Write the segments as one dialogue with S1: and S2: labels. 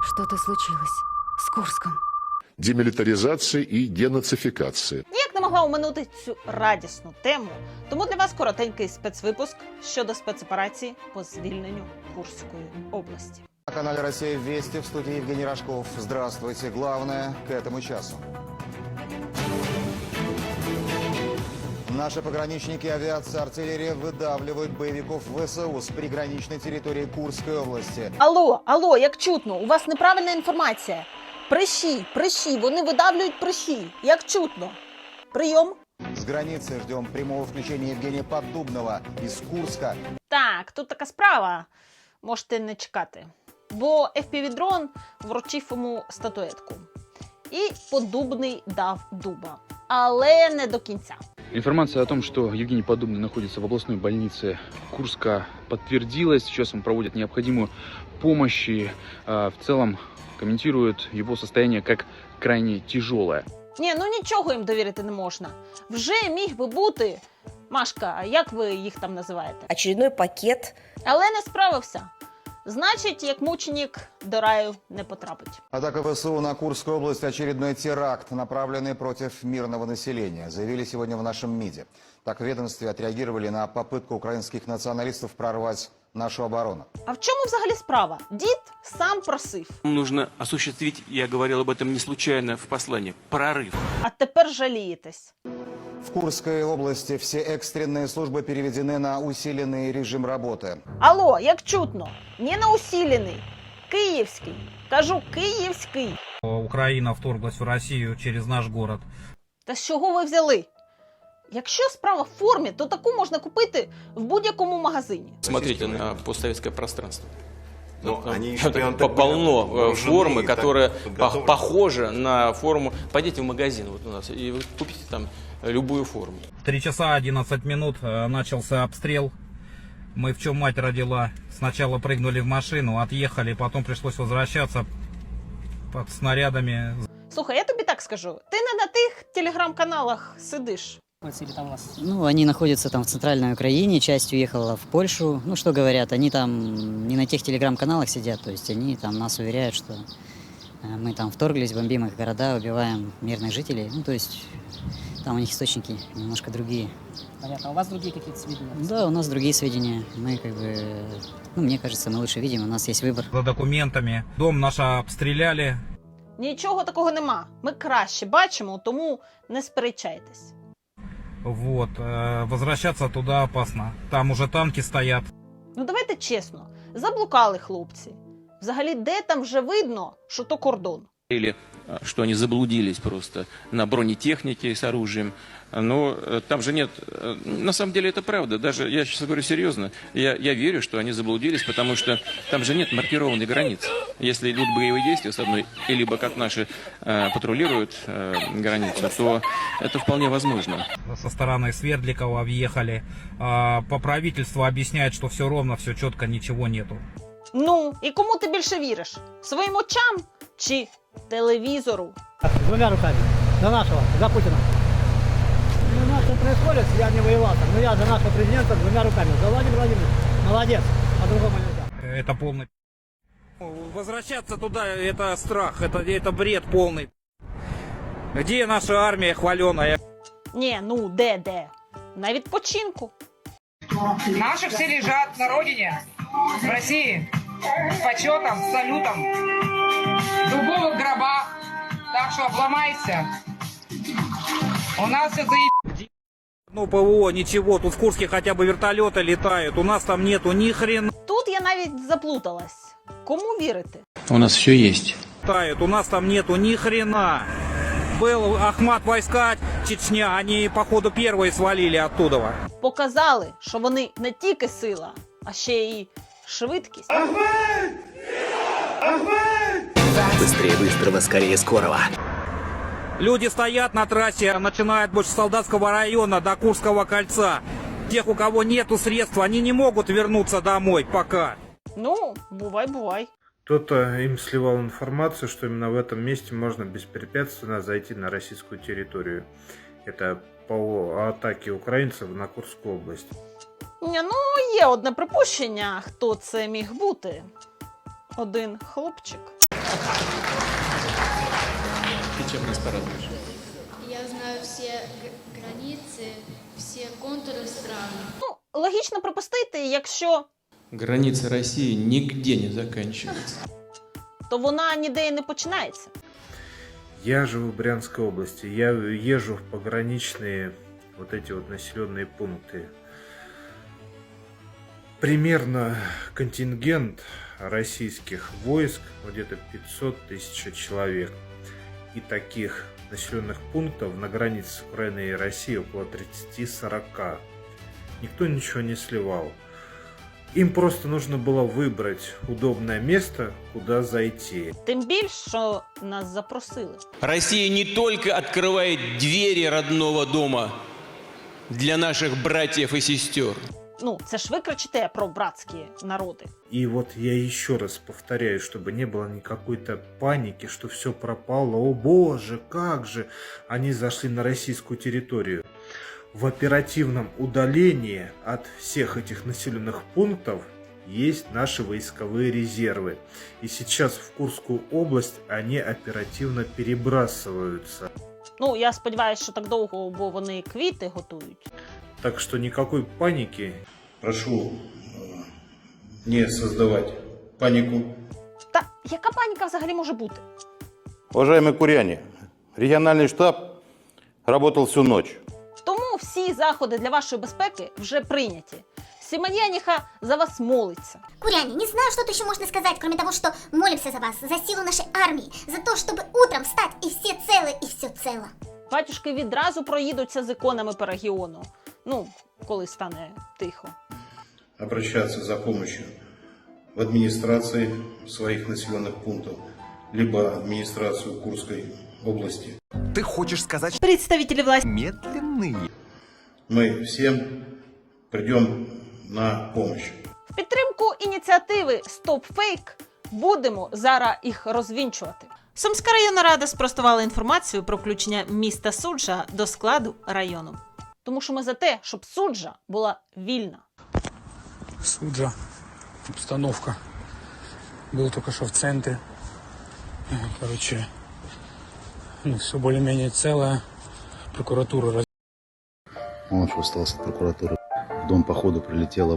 S1: Что-то случилось с Курском.
S2: Демилитаризация и денацификация.
S3: Ніяк не могла оминути цю радісну тему, тому для вас коротенький спецвипуск щодо спецоперації по звільненню Курської області.
S4: На канале «Россия Вести» в студии Евгений Рожков. Здравствуйте. Главное к этому часу. Наши пограничники, авиация, артиллерия выдавливают боевиков ВСУ с приграничной территории Курской области.
S3: Алло, як чутно, у вас неправильна інформація. Прищі, вони видавлюють прищі, як чутно. Прийом.
S4: С границы ждем прямого включения Евгения Поддубного из Курска.
S3: Так, тут така справа. Можете не чекати. Бо FPV-дрон вручив йому статуетку. І Поддубний дав дуба. Але не до кінця.
S5: Информация о том, что Евгений Поддубный находится в областной больнице Курска, подтвердилась. Сейчас он проводит необходимую помощь и в целом комментирует его состояние как крайне тяжелое.
S3: Ні, ну нічого їм довірити не можна. Вже міг би бути, Машка, а як ви їх там називаєте?
S6: Очередной пакет.
S3: Але не справився. Значить, як мученик до раю не потрапить.
S4: Атака ВСУ на Курскую область – очередной теракт, направленный против мирного населения, заявили сегодня в нашем МИДе. Так в ведомстве отреагировали на попытку украинских националистов прорвать нашу оборону.
S3: А в чому взагалі справа? Дід сам просив.
S7: Нужно осуществить, я говорил об этом не случайно в послании, прорыв.
S3: А тепер жалієтесь.
S4: В Курской области все экстренные службы переведены на усиленный режим работы.
S3: Алло, як чутно? Не на усилений. Київський. Кажу, київський.
S8: Украина вторглась в Россию через наш город.
S3: Та з чого ви взяли? Якщо справа в формі, то таку можна купити в будь-якому магазині.
S7: Смотрите на постсоветское пространство.
S9: Они
S7: Полно формы, которая похожа на форму. Пойдите в магазин вот у нас и вы купите там любую форму.
S8: В 3 часа 11 минут начался обстрел. Мы в чем мать родила. Сначала прыгнули в машину, отъехали, потом пришлось возвращаться под снарядами.
S3: Слухай, я тобі так скажу. Ти не на тих телеграм-каналах сидиш.
S6: Ну, они находятся там в центральной Украине, часть уехала в Польшу. Ну, что говорят, они там не на тех телеграм-каналах сидят, то есть они там нас уверяют, что мы там вторглись, бомбим их города, убиваем мирных жителей. Ну, то есть там у них источники немножко другие.
S10: Понятно. А у вас другие какие-то сведения?
S6: Да, у нас другие сведения. Мы как бы, ну, мне кажется, мы лучше видим, у нас есть выбор.
S8: За документами. Дом наш обстреляли.
S3: Нічого такого нема. Ми краще бачимо, тому не сперечайтесь.
S8: Вот. Возвращаться туда опасно. Там уже танки стоят.
S3: Ну давайте чесно, заблукали хлопці. Взагалі, де там вже видно, що то кордон?
S7: Или что они заблудились просто на бронетехнике с оружием. Но там же нет... На самом деле это правда. Даже, я сейчас говорю серьезно, я верю, что они заблудились, потому что там же нет маркированной границы. Если идут боевые действия с одной, либо как наши патрулируют границу, то это вполне возможно.
S8: Со стороны Свердликова въехали. По правительству объясняют, что все ровно, все четко, ничего нету.
S3: Ну, і кому ти більше віриш? Своїм очам чи телевізору?
S10: Двумя руками. За нашего, за Путина. Ну, что происходит, я не воевал, но я за нашего президента двумя руками. За Владимир Владимирович. Молодец. По-другому нельзя.
S8: Это полный... Возвращаться туда, это страх, это бред полный. Где наша армия хваленая?
S3: Ні, ну де? На відпочинку.
S11: Наши все лежат на родине, в России, с почетом, с салютом, в дубовых гробах, так что обломайся. У нас все заеб...
S8: Ну, ПВО, ничего, тут в Курске хотя бы вертолеты летают, у нас там нету ни хрена.
S3: Тут я навіть заплуталась. Кому вірити?
S7: У нас все есть.
S8: У нас там нету ни хрена. Был Ахмат войска, Чечня, они, походу, первые свалили оттуда.
S3: Показали, що вони не тільки сила, а ще й швидкість.
S9: Быстрее быстрого, скорее скорого.
S8: Люди стоят на трассе, начиная от Солдатского района до Курского кольца. Тех, у кого нету средств, они не могут вернуться домой пока.
S3: Ну, бувай.
S12: Кто-то им сливал информацию, что именно в этом месте можно беспрепятственно зайти на российскую территорию. Это по атаке украинцев на Курскую область.
S3: Ні, ну, є одне припущення, хто це міг бути. Один хлопчик.
S7: Ты чем нас порадуешь?
S13: Я знаю все границы, все контуры стран.
S3: Ну, логічно припустити, якщо
S7: Граница России нигде не заканчивается.
S3: то вона ніде і не починається.
S12: Я живу в Брянской области. Я езжу в пограничные вот эти вот населенные пункты. Примерно контингент российских войск где-то 500 тысяч человек. И таких населенных пунктов на границе с Украиной и Россией около 30-40. Никто ничего не сливал. Им просто нужно было выбрать удобное место, куда зайти.
S3: Тим більше, що нас запросили.
S7: Россия не только открывает двери родного дома для наших братьев и сестер.
S3: Ну, це ж ви кричите про братські народи.
S12: И вот я еще раз повторяю, чтобы не было никакой-то паники, что все пропало. О боже, как же они зашли на российскую территорию. В оперативном удалении от всех этих населенных пунктов есть наши войсковые резервы. И сейчас в Курскую область они оперативно перебрасываются.
S3: Ну, я сподіваюся, що так довго, бо вони квіти готують.
S12: Так что никакой паники. Прошу не создавать панику.
S3: Та яка паніка взагалі може бути?
S14: Уважаемые куряне, региональный штаб работал всю ночь.
S3: Тому всі заходи для вашої безпеки вже прийняті. Симоньяніха за вас молиться.
S13: Куряне, не знаю, что тут еще можно сказать, кроме того, что молимся за вас, за силу нашей армии, за то, чтобы утром встать и все целы, и все цело.
S3: Батюшки відразу проїдуться з іконами по регіону. Ну, коли стане тихо.
S12: Обращаться за помощью в администрации своих населенных пунктов, либо администрацию Курской области.
S9: Ты хочешь сказать, что
S3: Представителі власті.
S9: медленные?
S12: Мы всем придем на помощь.
S3: В підтримку ініціативи «Стоп фейк» будемо зараз їх розвінчувати. Сумська районна рада спростувала інформацію про включення міста Суджа до складу району. Тому що ми за те, щоб Суджа була вільна.
S8: Суджа, обстановка. Был только что в центре. Короче, все более-менее целое. Прокуратура.
S14: Он что остался от прокуратуры. В дом походу прилетело.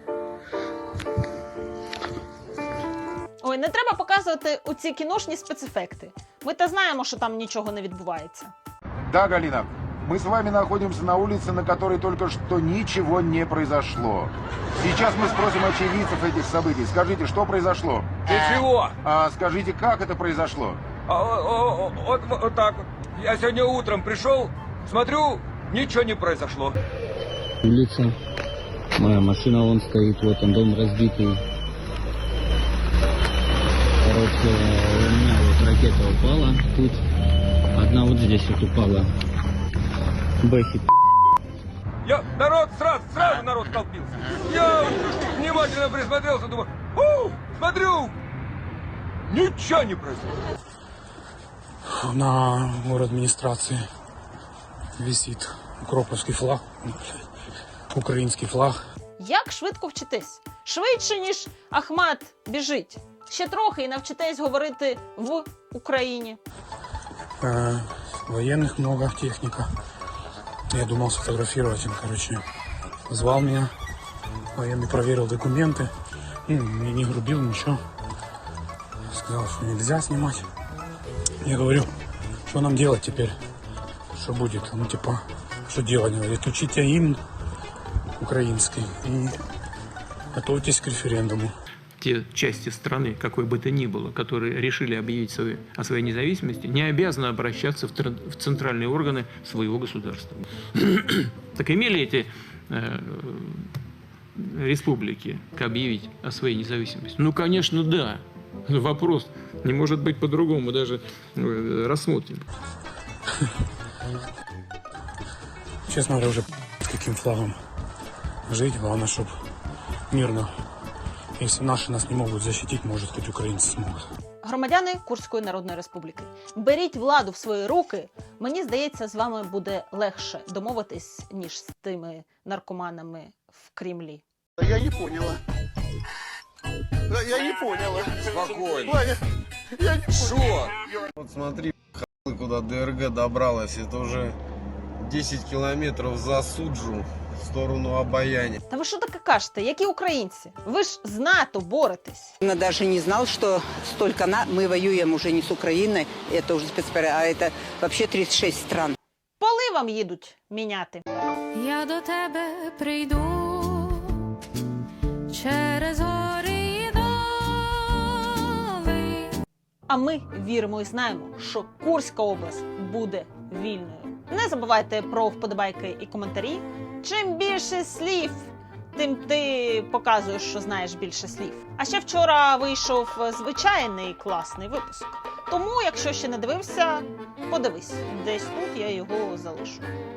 S3: Ой, не треба показувати оці кіношні спецефекти. Ми та знаємо, що там нічого не відбувається.
S15: Да, Галина, мы с вами находимся на улице, на которой только что ничего не произошло. Сейчас мы спросим очевидцев этих событий. Скажите, что произошло?
S10: Ничего.
S15: Скажите, как это произошло?
S10: Вот так вот. Я сегодня утром пришел, смотрю, ничего не произошло.
S6: Улица. Моя машина вон стоит, вот он, дом разбитый. Короче, у меня вот ракета упала тут. Одна вот здесь вот упала. Бэхи.
S10: Народ сразу народ толпился. Я внимательно присмотрелся, думаю, смотрю, ничего не происходит.
S8: На город администрации висит укроповский флаг, український флаг.
S3: Як швидко вчитись? Швидше, ніж Ахмат біжить. Ще трохи і навчитесь говорити в Україні.
S8: Военных много, техника. Я думал сфотографировать им, короче. Звал меня, военный проверил документы. Не грубил, ничего. Сказал, что нельзя снимать. Я говорю, что нам делать теперь? Что будет? Ну, типа, что делать? Говорит, учите гимн украинский и готовьтесь к референдуму.
S7: Те части страны, какой бы то ни было, которые решили объявить о своей независимости, не обязаны обращаться в центральные органы своего государства. Так имели эти республики объявить о своей независимости? Ну, конечно, да. Вопрос не может быть по-другому, даже рассмотрим.
S8: Честно говоря, уже с каким флагом жить. Главное, чтобы мирно. Если наши нас не могут защитить, может, хоть украинцы смогут.
S3: Громадяни Курської Народної Республіки, беріть владу в свої руки. Мені здається, з вами буде легше домовитись, ніж з тими наркоманами в Кремлі.
S9: Я не поняла. Я не поняла.
S10: Спокойно.
S9: Ваня, Что?
S16: Вот смотри, куда ДРГ добралась. Это уже 10 километров за Суджу в сторону Обаяни.
S3: Та ви що таке кажете? Які українці? Ви ж з НАТО боретесь.
S17: Я даже не знал, что столько мы воюем уже не с Украиной, это уже спецоперация, а это вообще 36 стран.
S3: Поли вам їдуть міняти.
S1: Я до тебе прийду через гори і доли.
S3: А ми віримо і знаємо, що Курська область буде вільною. Не забувайте про вподобайки і коментарі. Чим більше слів, тим ти показуєш, що знаєш більше слів. А ще вчора вийшов звичайний класний випуск. Тому, якщо ще не дивився, подивись. Десь тут я його залишу.